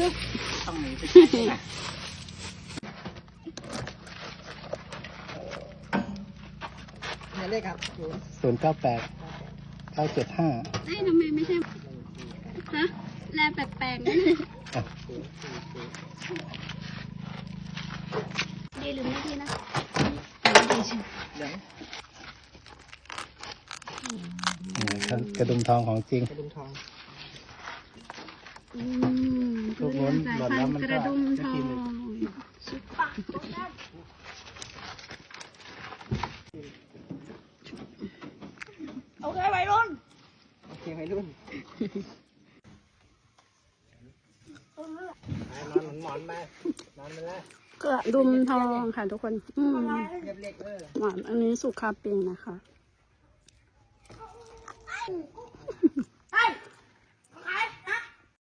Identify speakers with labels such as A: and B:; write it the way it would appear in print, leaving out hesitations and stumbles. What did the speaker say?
A: ต้องหนีไปใช้นะหมายเลขครับ098-975
B: เอ้ยทำไมไม่ใช่ฮะแลแปลกๆนะดีหรือไม่ดีนะดีใช่
C: กระดุมทองของจริง
A: กระดุมทอง
B: ทุเรียนสายพันธุ์กระดุมทองซุปเปอร์โอเควัยรุ่น
A: นอนหมอนไปนอนไปเลย
B: กระดุมทองค่ะทุกคนหวานอันนี้สุกคาปิงนะคะ